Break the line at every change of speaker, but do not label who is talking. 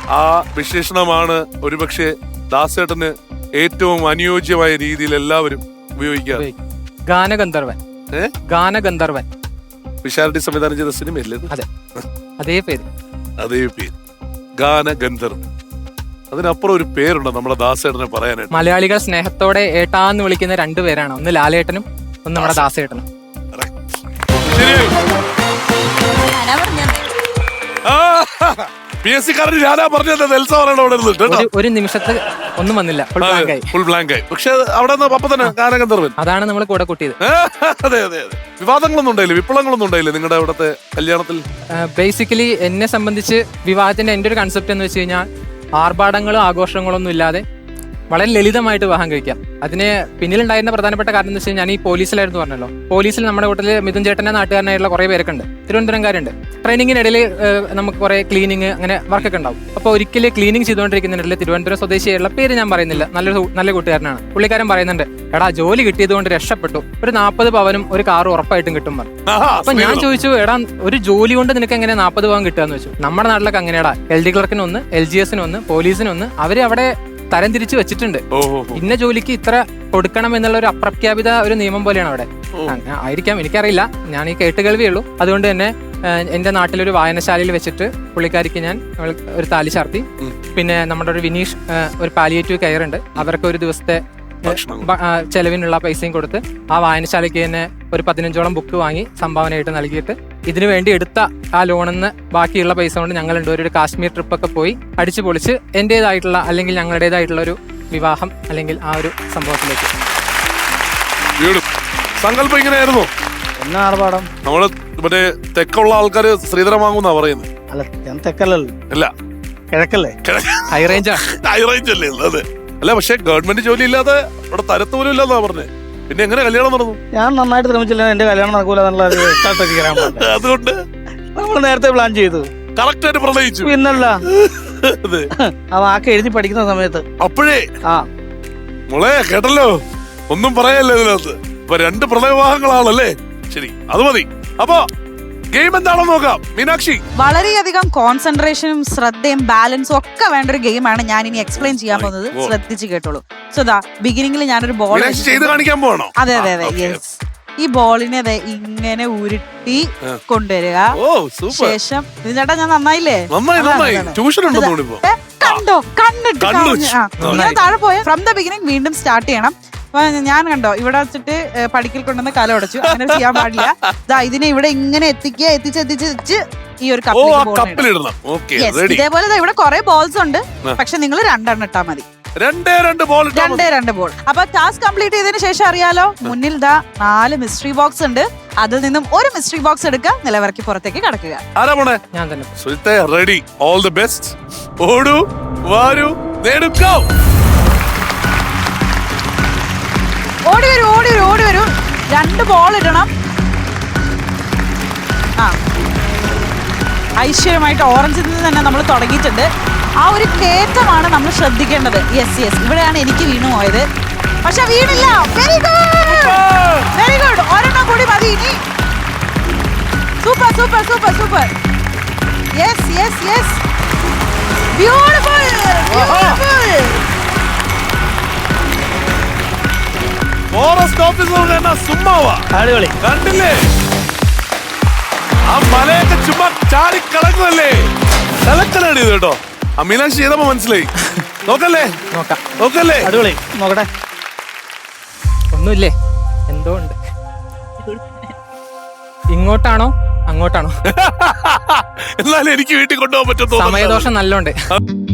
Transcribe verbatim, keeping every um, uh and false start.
ആ വിശേഷണമാണ് ഒരുപക്ഷെ ദാസേട്ടന് ഏറ്റവും അനുയോജ്യമായ രീതിയിൽ എല്ലാവരും ഉപയോഗിക്കാറ്.
ഗാനഗന്ധർവൻ. ഗാനഗന്ധർവൻ
വിശാരടി സംവിധാനം ചെയ്ത സിനിമയല്ലേ?
അതെ, അതേ പേര്.
അതേ പേര്, ഗാനഗന്ധർവൻ. അതിനപ്പുറം ഒരു പേരുണ്ടോ നമ്മുടെ ദാസേട്ടനെ പറയാനായിട്ട്?
മലയാളികൾ സ്നേഹത്തോടെ ഏട്ടാന്ന് വിളിക്കുന്ന രണ്ടുപേരാണ്, ഒന്ന് ലാലേട്ടനും ഒന്ന് നമ്മുടെ ദാസേട്ടനും.
പി എസ് സിക്കാരൻ ഞാനാ പറഞ്ഞത് എൽസ പറയണ അവിടെ
ഒരു നിമിഷത്തിൽ ഒന്നും വന്നില്ല,
ഫുൾ ബ്ലാങ്ക് ആയി. പക്ഷെ അവിടെ അപ്പൊ തന്നെ ഗാനഗന്ധർവൻ
അതാണ് നമ്മൾ കൂടെ കൂട്ടിയത്.
അതെ അതെ അതെ. വിവാദങ്ങളൊന്നും ഉണ്ടായില്ലേ, വിപ്ലവങ്ങളൊന്നും ഉണ്ടായില്ലേ നിങ്ങളുടെ അവിടുത്തെ കല്യാണത്തിൽ?
ബേസിക്കലി എന്നെ സംബന്ധിച്ച് വിവാഹത്തിന്റെ എന്റെ ഒരു കൺസെപ്റ്റ് എന്ന് വെച്ച് കഴിഞ്ഞാൽ ആർഭാടങ്ങളോ ആഘോഷങ്ങളോ ഒന്നും ഇല്ലാതെ വളരെ ലളിതമായിട്ട് വിവാഹം കഴിക്കാം. അതിന് പിന്നിലുണ്ടായിരുന്ന പ്രധാനപ്പെട്ട കാരണം എന്ന് വെച്ച് കഴിഞ്ഞാൽ ഞാൻ ഈ പോലീസിലായിരുന്നു പറഞ്ഞല്ലോ. പോലീസിൽ നമ്മുടെ വീട്ടിൽ മിഥുൻ ചേട്ടന്റെ നാട്ടുകാരനായിട്ടുള്ള കുറെ പേരൊക്കെ ഉണ്ട്, തിരുവനന്തപുരംകാരുണ്ട്. ട്രെയിനിങ്ങിനിടയിൽ നമുക്ക് കുറെ ക്ലീനിങ് അങ്ങനെ വർക്കൊക്കെ ഉണ്ടാവും. അപ്പോൾ ഒരിക്കലും ക്ലീനിങ് ചെയ്തുകൊണ്ടിരിക്കുന്നതിനിടയിൽ തിരുവനന്തപുരം സ്വദേശിയായിട്ടുള്ള പേര് ഞാൻ പറയുന്നില്ല, നല്ലൊരു നല്ല കൂട്ടുകാരനാണ്. പുള്ളിക്കാരൻ പറയുന്നുണ്ട്, എടാ ജോലി കിട്ടിയത് കൊണ്ട് രക്ഷപ്പെട്ടു, ഒരു നാൽപ്പത് പവനും ഒരു കാറും ഉറപ്പായിട്ടും കിട്ടും പറഞ്ഞു. അപ്പൊ ഞാൻ ചോദിച്ചു, എടാ ഒരു ജോലി കൊണ്ട് നിനക്ക് എങ്ങനെ നാൽപ്പത് പവൻ കിട്ടുകയെന്ന് വെച്ചു. നമ്മുടെ നാട്ടിലൊക്കെ അങ്ങനെയാടാ, എൽ ഡി ക്ലർക്കിനൊന്ന്, എൽ ജി എസിനൊന്ന്, പോലീസിനൊന്ന്, അവര് അവിടെ തരം തിരിച്ചു വെച്ചിട്ടുണ്ട്. ഇന്ന ജോലിക്ക് ഇത്ര കൊടുക്കണം എന്നുള്ള ഒരു അപ്രഖ്യാപിത ഒരു നിയമം പോലെയാണ് അവിടെ. ആയിരിക്കാം, എനിക്കറിയില്ല, ഞാൻ ഈ കേട്ടുകേൾവിയേ ഉള്ളൂ. അതുകൊണ്ട് തന്നെ എന്റെ നാട്ടിലൊരു വായനശാലയിൽ വെച്ചിട്ട് പുള്ളിക്കാരിക്ക് ഞാൻ ഒരു താലി ചാർത്തി. പിന്നെ നമ്മുടെ ഒരു വിനീഷ് ഒരു പാലിയേറ്റീവ് കെയർ ഉണ്ട്, അവർക്ക് ഒരു ദിവസത്തെ ചെലവിനുള്ള പൈസയും കൊടുത്ത് ആ വായനശാലയ്ക്ക് തന്നെ ഒരു പതിനഞ്ചോളം ബുക്ക് വാങ്ങി സംഭാവനയായിട്ട് നൽകിയിട്ട് ഇതിനു വേണ്ടി എടുത്ത ആ ലോണിൽ നിന്ന് ബാക്കിയുള്ള പൈസ കൊണ്ട് ഞങ്ങൾ രണ്ടുപേരും ഒരു കാശ്മീർ ട്രിപ്പൊക്കെ പോയി അടിച്ചു പൊളിച്ച് എന്റേതായിട്ടുള്ള അല്ലെങ്കിൽ ഞങ്ങളുടേതായിട്ടുള്ള ഒരു വിവാഹം അല്ലെങ്കിൽ ആ ഒരു സംഭവത്തിലേക്ക്.
സങ്കല്പം ഇങ്ങനെയായിരുന്നു.
എന്നാ ആർഭാടം?
നമ്മള് മറ്റേ തെക്കുള്ള ആൾക്കാര് ശ്രീധരം വാങ്ങുന്ന പറയുന്നത്.
അല്ല, ഞാൻ തെക്കല്ലല്ലോ.
അല്ല,
കിഴക്കല്ലേ?
ഹൈ റേഞ്ചാ.
ഹൈ റേഞ്ച് അല്ലേ? അതെ. അല്ല, പക്ഷെ ഗവൺമെന്റ് ജോലി ഇല്ലാതെ ഇവിടെ തരത്ത് പോലും ഇല്ലാന്നാ പറഞ്ഞേ. പിന്നെ എങ്ങനെ കല്യാണം നടന്നു?
ഞാൻ നന്നായിട്ട് ശ്രമിച്ചില്ല, എന്റെ കല്യാണം നടക്കൂല എന്നുള്ള
അതുകൊണ്ട്
നമ്മൾ നേരത്തെ പ്ലാൻ ചെയ്തു.
കറക്റ്റ് ആയിട്ട് പ്രണയിച്ചു.
പിന്നല്ല, ആ വാക്ക് എഴുതി പഠിക്കുന്ന സമയത്ത്
അപ്പോഴേ.
ആ
മോളെ കേട്ടല്ലോ, ഒന്നും പറയല്ലേ ഇതിനകത്ത്. ഇപ്പൊ രണ്ട് പ്രണയവിവാഹങ്ങളാണല്ലേ? ശരി, അത് മതി. അപ്പൊ ഗെയിം എന്താണെന്ന് നോക്കാം. മീനാക്ഷി,
വളരെയധികം കോൺസെൻട്രേഷനും ശ്രദ്ധയും ബാലൻസും ഒക്കെ വേണ്ട ഒരു ഗെയിമാണ് ഞാൻ ഇനി എക്സ്പ്ലെയിൻ ചെയ്യാൻ പോകുന്നത്. ശ്രദ്ധിച്ച് കേട്ടോളൂ. സോ ദാ ബിഗിനിങ്ങിൽ ഞാനൊരു ബോൾ
ചെയ്ത് കാണിക്കാൻ പോകണോ?
അതെ അതെ അതെ, യെസ്. ഈ ബോളിനെ അതെ ഇങ്ങനെ ഉരുട്ടി കൊണ്ടുവരിക. ശേഷം ചേട്ടാ ഞാൻ നന്നായില്ലേ? കണ്ടോ, കണ്ടിട്ട് ഇങ്ങനെ താഴെ പോയ ഫ്രം ദ ബിഗിനിങ് വീണ്ടും സ്റ്റാർട്ട് ചെയ്യണം. ഞാൻ കണ്ടോ ഇവിടെ വെച്ചിട്ട് പടിക്കൽ കൊണ്ടുവന്ന് കല ഉടച്ചു, അങ്ങനെ ചെയ്യാൻ പാടില്ല. ദാ ഇതിനെ ഇവിടെ ഇങ്ങനെ എത്തിക്കുക, എത്തിച്ച് എത്തിച്ച് ഈ ഒരു കപ്പിലിടണം. ഇതേപോലെ ഇവിടെ കുറെ ബോൾസ് ഉണ്ട്, പക്ഷെ നിങ്ങൾ രണ്ടെണ്ണം ഇട്ടാ മതി.
രണ്ടേ രണ്ട് ബോൾ
രണ്ടേ രണ്ട് ബോൾ. അപ്പൊ ടാസ്ക് കംപ്ലീറ്റ് ചെയ്തതിനു ശേഷം അറിയാലോ, മുന്നിൽ ദാ നാല് മിസ്റ്ററി ബോക്സ് ഉണ്ട്. അതിൽ നിന്നും ഒരു മിസ്റ്ററി ബോക്സ് എടുക്കുക, നിലവിറക്കി പുറത്തേക്ക് കടക്കുക.
ഞാൻ തന്നെ.
Ready, all the best. ഓടൂ, വാരൂ, നേടുക.
ഓടി വരൂ, ഓടി വരൂ, ഓടി വരൂ. രണ്ട് ബോൾ ഇടണം. ആ ഐശ്വര്യമായിട്ട് ഓറഞ്ചിൽ നിന്ന് തന്നെ നമ്മൾ തുടങ്ങിയിട്ടുണ്ട്. ആ ഒരു കയറ്റമാണ് നമ്മൾ ശ്രദ്ധിക്കേണ്ടത്. യെസ് യെസ്, ഇവിടെയാണ് എനിക്ക് വീണു പോയത്, പക്ഷെ വീണില്ല. Very good, very good. ഒരെണ്ണം കൂടി മതി ഇനി. Super super super super. Yes yes yes, beautiful beautiful.
Forest officer സുമ്മാവാ.
അടിപൊളി.
കണ്ടില്ലേ, ആ മലയൊക്കെ ചുമ്മാ ചാടി കളങ്ങുമല്ലേ. കലക്കലാണ് ഇത് കേട്ടോ. ആ മീനാക്ഷി ചെയ്തപ്പോ മനസ്സിലായി. നോക്കല്ലേ,
നോക്കാം,
നോക്കല്ലേ.
അടിപൊളി. നോക്കട്ടെ.
ഒന്നുമില്ലേ, എന്തോ ഉണ്ട്. ഇങ്ങോട്ടാണോ അങ്ങോട്ടാണോ?
എന്നാലും എനിക്ക് വീട്ടിൽ കൊണ്ടുപോകാൻ പറ്റും.
സമയദോഷം നല്ലോണ്ട്.